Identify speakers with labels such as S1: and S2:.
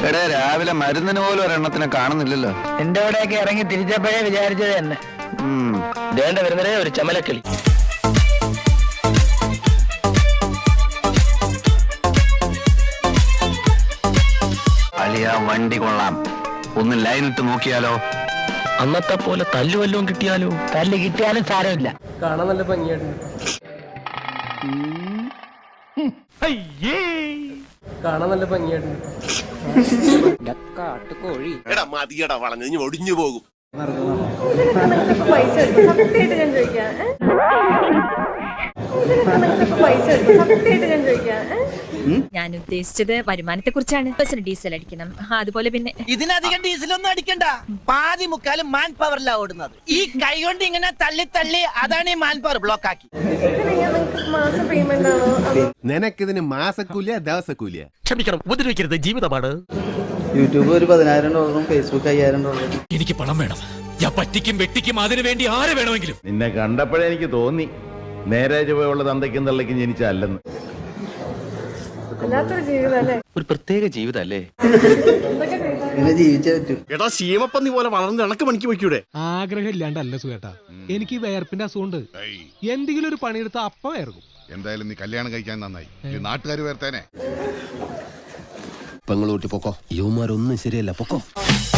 S1: എടേ രാവിലെ മരുന്നിന് പോലും ഒരെണ്ണത്തിനെ കാണുന്നില്ലല്ലോ.
S2: എന്റെ അവിടെയൊക്കെ ഇറങ്ങി തിരിച്ചപ്പോഴേ വിചാരിച്ചത് തന്നെ.
S3: വേണ്ട വരുന്നതേ ഒരു ചമലക്കിളി.
S1: അളിയ വണ്ടി കൊള്ളാം, ഒന്ന് ലൈൻ ഇട്ട് നോക്കിയാലോ?
S3: അന്നത്തെ പോലെ തല്ലു വല്ലതും കിട്ടിയാലോ?
S2: തല്ല് കിട്ടിയാലും സാരമില്ല.
S4: കാണാൻ നല്ല ഭംഗിയായിട്ടുണ്ട്. കാണാൻ നല്ല ഭംഗിയായിട്ടുണ്ട്.
S5: എടാ മതിയടാ വളഞ്ഞ് ഇനി ഒടിഞ്ഞു പോകും.
S6: ഞാൻ ഉദ്ദേശിച്ചത് വരുമാനത്തെ കുറിച്ചാണ്. ബസ്സിന് ഡീസൽ അടിക്കണം, അതുപോലെ പിന്നെ
S2: ഇതിനധികം ഡീസലൊന്നും അടിക്കണ്ട. പാതി മുക്കാലും മാൻ പവറിലാ ഓടുന്നത്. ഈ കൈ കൊണ്ട് ഇങ്ങനെ തള്ളി തള്ളി അതാണ് ഈ മാൻ പവർ ബ്ലോക്ക് ആക്കി.
S5: നിനക്കിതിന് മാസക്കൂലിയ ദിവസക്കൂലിയ?
S3: ക്ഷമിക്കണം, ഉപദ്രവിക്കരുത്, ജീവിതമാണ്.
S7: യൂട്യൂബ് ഒരു $10,000, ഫേസ്ബുക്ക് $5,000.
S8: എനിക്ക് പണം വേണം. ഞാൻ പറ്റിക്കും വെട്ടിക്കും അതിനു വേണ്ടി ആരെ വേണമെങ്കിലും.
S9: നിന്നെ കണ്ടപ്പോഴേ എനിക്ക് തോന്നി നേരെ ചുവയുള്ള തന്തയ്ക്കും തള്ളയ്ക്കും ജനിച്ചല്ലെന്ന്.
S3: ഒരു പ്രത്യേക ജീവിതല്ലേ?
S7: ഇങ്ങനെ ജീവിച്ചേ പറ്റൂ.
S5: എടാ ശീമപ്പന്നി പോലെ വളർന്ന് ഇണക്ക് പണിക്ക് വയ്ക്കൂടെ?
S10: ആഗ്രഹം ഇല്ലാണ്ടല്ല സുഖേട്ടാ, എനിക്ക് വേർപ്പിന്റെ അസുഖമുണ്ട്. എന്തെങ്കിലും ഒരു പണിയെടുത്ത അപ്പ വേർക്കും.
S11: എന്തായാലും നീ കല്യാണം കഴിക്കാൻ നന്നായി. നാട്ടുകാർ വേർത്തേനെ.
S5: പെങ്ങളൂട്ടി പൊക്കോ, യുവമാരൊന്നും ശരിയല്ല, പൊക്കോ.